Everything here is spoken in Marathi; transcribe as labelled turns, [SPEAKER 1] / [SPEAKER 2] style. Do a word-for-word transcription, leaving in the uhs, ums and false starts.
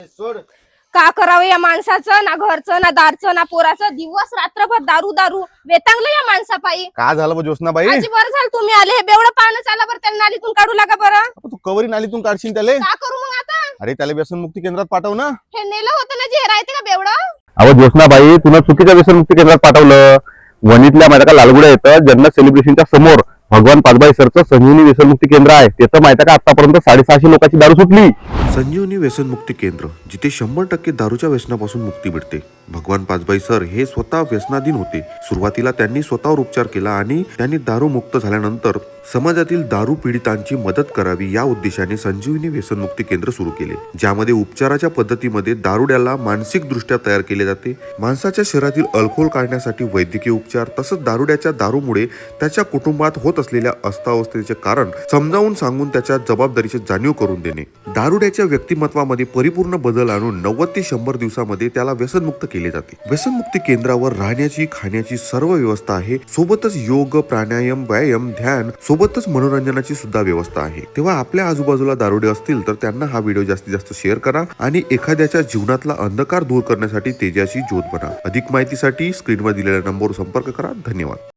[SPEAKER 1] सोड.
[SPEAKER 2] का करावं या माणसाचं, ना घरचं ना दारचं ना पोराचं, दिवस रात्रभर दारू दारू वेतांगलं या माणसापायी.
[SPEAKER 1] का झालं मग ज्योत्स्नाबाई?
[SPEAKER 2] आजी बरं झालं तुम्ही आले, हे बेवडं पाहणं चाला बरं, त्यांना नालीतून काढू लागा बरं.
[SPEAKER 1] तू कवरी नालीतून काढशील त्याले?
[SPEAKER 2] का करू मग आता?
[SPEAKER 1] अरे त्याला व्यसनमुक्ती केंद्रात पाठव ना.
[SPEAKER 2] हे नेलं होतं ना जे राहते का बेवडं.
[SPEAKER 3] अहो ज्योत्स्नाबाई, तुला चुकीच्या व्यसनमुक्ती केंद्रात पाठवलं. वणीतल्या माझ्या का लालगुड्या येतं जन्नत सेलिब्रेशनच्या समोर भगवान पाचबाई सरचं संजीवनी व्यसनमुक्ती केंद्र आहे. त्याचं माहिती का आतापर्यंत साडेसहाशे लोकांची दारू सुटली.
[SPEAKER 4] संजीवनी व्यसनमुक्ती केंद्र, जिथे शंभर टक्के दारूच्या व्यसनापासून मुक्ती मिळते. भगवान पाचबाई सर हे स्वतः व्यसनाधीन होते. सुरुवातीला त्यांनी स्वतःवर उपचार केला आणि त्यांनी दारू मुक्त झाल्यानंतर समाजातील दारू पीडितांची मदत करावी या उद्देशाने संजीवनी व्यसनमुक्ती केंद्र सुरू केले, ज्यामध्ये उपचाराच्या पद्धतीमध्ये दारुड्याला मानसिक दृष्ट्या तयार केले जाते. माणसाच्या शरीरातील अल्कोहोल काढण्यासाठी वैद्यकीय उपचार, तसंच दारुड्याच्या दारूमुळे त्याच्या कुटुंबात होत असलेल्या अस्तावस्थेचे कारण समजावून सांगून त्याच्या जबाबदारीची जाणीव करून देणे. दारुड्याच्या व्यक्तिमत्वामध्ये परिपूर्ण बदल आणून नव्वद ते शंभर दिवसामध्ये त्याला व्यसनमुक्त केले जाते. व्यसनमुक्ती केंद्रावर राहण्याची खाण्याची सर्व व्यवस्था आहे. सोबतच योग, प्राणायाम, व्यायाम, ध्यान सोबतच मनोरंजनाची सुद्धा व्यवस्था आहे. तेव्हा आपल्या आजूबाजूला दारुडे असतील तर त्यांना हा व्हिडिओ जास्तीत जास्त शेअर करा आणि एखाद्याच्या जीवनातला अंधकार दूर करण्यासाठी तेजाची ज्योत बना. अधिक माहितीसाठी स्क्रीनवर दिलेल्या नंबरवर संपर्क करा. धन्यवाद.